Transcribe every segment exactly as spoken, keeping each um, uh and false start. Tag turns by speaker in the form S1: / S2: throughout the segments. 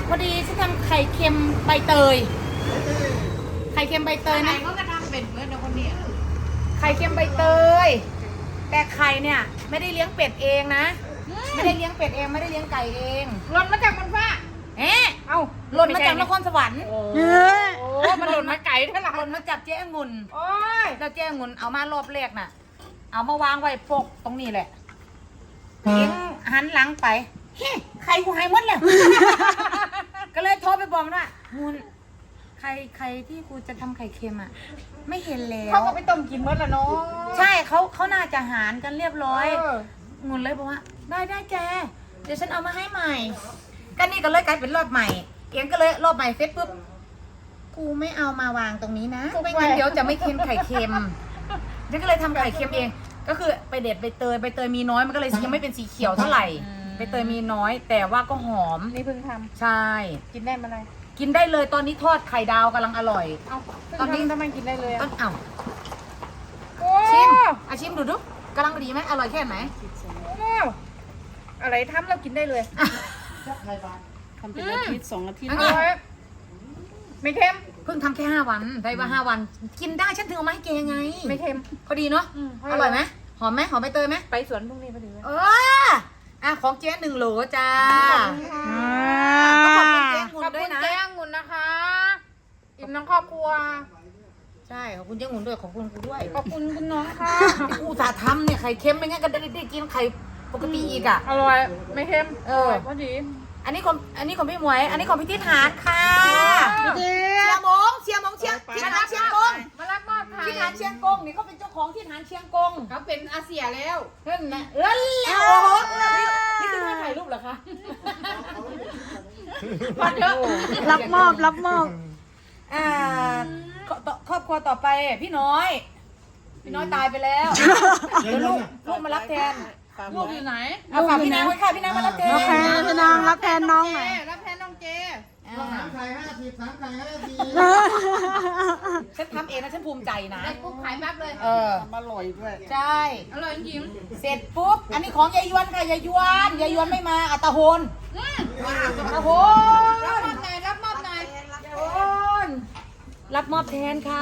S1: พอดีฉันทำไข่เค็มใบเตยไข่เค็มใบเตยนะ
S2: เขาก็ทำเป็นเหมือนคนนี้
S1: ไข่เค็มใบเตยแต่ไข่เนี่ยไม่ได้เลี้ยงเป็ดเองนะไม่ได้เลี้ยงเป็ดเองไม่ได้เลี้ยงไก่เอง
S2: หล่นมาจากบนฟ้า
S1: เอ๊ะเอ้าหล่นมาจากนครสวรรค์
S2: โอ้มันหล่นมาไก่เท่าไหร่
S1: หล่นมาจากเจ๊องุ่น
S2: โอ้ย
S1: แล้วเจ๊องุ่นเอามารอบแรกน่ะ เอามาวางไว้ปกตรงนี้แหละเองหันหลังไปเฮ้ไข่กูหายหมดแล้ว ก็เลยโทรไปบอกว่ามุนใครใครที่กูจะทำไข่เค็มอ่ะ ไม่เห็นแล้ว
S2: เขาก็ไปต้มกินหมดแล้วเนาะ
S1: ใช่เขาเขาน่าจะหารกันเรียบร้อย
S2: เออ
S1: งุนเลยบอกว่าได้ได้แกเดี๋ยวฉันเอามาให้ใหม่ก็นี่ก็เลยกลายเป็นรอบใหม่เอียงก็เลยรอบใหม่เสร็จปุ๊บกูไม่เอามาวางตรงนี้นะไม่งั้นเดี๋ยวจะไม่เค็มไข่เค็มฉันก็เลยทำไข่เค็มเอง ก็คือไปเด็ดใบเตยใบเตยมีน้อยมันก็เลยยังไม่เป็นสีเขียวเท่าไหร่ใบเตยมีน้อย แต่ว่าก็หอม
S2: นี่เพิ่งท
S1: ใช่
S2: ำกินได้เมื่อไหร
S1: กินได้เลยตอนนี้ทอดไข่ดาวกำลังอร่อย
S2: เอา
S1: ตอนนี้
S2: ทำไมกินได้เลย
S1: ต้
S2: อ่ะ
S1: นเอ้า
S2: โอ้
S1: ชิมอาชิมดูดูกำลังดีไหมอร่อยแค่ไหน
S2: อะไรทำแล้วกินได้เลย
S3: ทำเป็นอาทิตย์สองอาทิตย์
S1: อัน
S2: อ
S1: นี้
S2: ร่อยไม่เค็ม
S1: เพิ่งทำแค่ห้าวันได้ว่าห้าวัน กินได้ฉันถึงเอามาให้แกไง
S2: ไม่เค็ม
S1: พอดีเนาะ
S2: อืม
S1: อร่อยไหมหอมไหมหอมใบเตยไหม
S2: ไปสวนพรุ่งนี้พอดีเลย
S1: เอออ่ะของเจ๊หนึ่งโหลจ้า
S3: อ่า
S1: ต้องขอบคุณเจ๊
S2: ข
S1: งุ่
S2: อน บ
S1: ด้ว
S2: คุ
S1: ย
S2: ณ
S1: นะ
S2: แจ้งงุนนะคะอิ่มน้องครอบครัว
S1: ใช่ขอบคุณเจ๊งุ่นด้วยขอบคุณกูด้วย
S2: ขอบคุณคุณน้องค่ะ
S1: กูสาห์ทำเนี่ยไข่เค็มไม่งั้นก็ได้ได้กินไข่ปกติอีกอ่ะ
S2: อร่อยไม่เค็ม
S1: เออ
S2: ร่ยพอดี
S1: อันนี้ของอันนี้ของพี่หมวย อันนี้ของพี่ทิศหานค่ะ
S2: พี่ทิศ
S1: เชียร์มงเชียร์มงเชียร์ทิศหานเชียงกง
S2: มารับมอบค่ะ
S1: ทิศหานเชียงกงนี่เขาเป็นเจ้าของทิศหานเชียงกง
S2: เขาเป็นอาเซียแล้ว
S1: เฮ้ยนะเออแล้วโอ้โหนี่นี่คือท่าถ่ายรูปเหรอคะ
S2: พอเถอะ
S3: รับมอบรับมอบ
S1: อ่าครอบครอบครัวต่อไปพี่น้อย พี่น้อยตายไปแล้วเดี๋ยวลูกลูกมารับแทน
S2: ลูกอยู่ไหน
S1: เอาฝากพี่นางไว้ค่ะพี่นางมารับแทน
S3: โอเคพี่นางรับแทนน้องห
S2: เจ
S3: น่อย
S2: รับแทนน้องเจ
S1: อ่า
S4: สามไข่ห้าสิบสามไข่ห้าสิบ
S1: ฉันทำเองนะฉันภูมิใจนะ
S2: ได้ปุ๊บขายปั๊บเลย
S1: เออ
S3: อร่อยด้วย
S1: ใช่
S2: อร่อยจริง
S1: เสร็จปุ๊บ อันนี้ของยายยวนค่ะยายยวนยายยวนไม่มาอัตโหน
S2: อืม
S1: อัตโห
S2: รับ
S1: น
S2: มอบหน่อยรับมอบหน่อย
S1: โอน รับมอบแทนค่ะ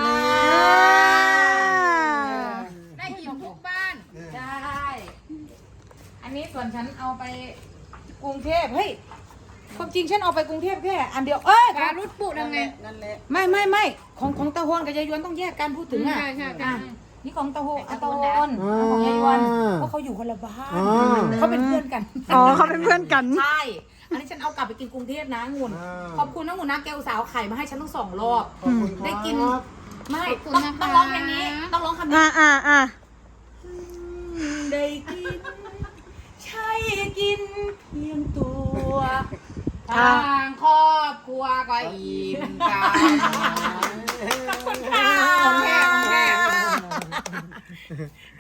S2: ได้กินทุกบ้าน
S1: ใช่ อันนี้ส่วนฉันเอาไปกรุงเทพ เฮ้ย ความจริงฉันเอาไปกรุงเทพแค่อันเดียว เอ้ย
S2: การรุดปุยังไง
S3: นั่นแหละ
S1: ไม่ไม่ไม่ของของตะโฮนกับยายยวนต้องแยกกันพูดถึงอ่ะ
S2: ใช่ใช่ใช่
S1: อ่ะนี่ของตะโฮนอะตะโฮนของยายยวนเพราะเขาอยู่คนละบ้านเขาเป็นเพื่อนกัน
S3: อ๋อเขาเป็นเพื่อนกัน
S1: ใช่ อันนี้ฉันเอากลับไปกินกรุงเทพนะงุ่นขอบคุณนะงุ่นนะแกอุตส่าห์เอาไข่มาให้ฉันทั้งสองรอบ
S4: ขอบคุณครับ
S1: ได้กิน ไม่
S2: ขอบคุณ
S1: ต้อง
S2: นะคะ
S1: ต้องร้องเพลงนี้ ต้องร้องคำนี้
S3: อ่าอ่าอ่า
S1: ได้กิน ใช่กินเพียงตัว
S2: ทางครอบครัวก็อิ่มกัน
S1: ขอบคุณค่ะ
S2: ของแท้ของแท้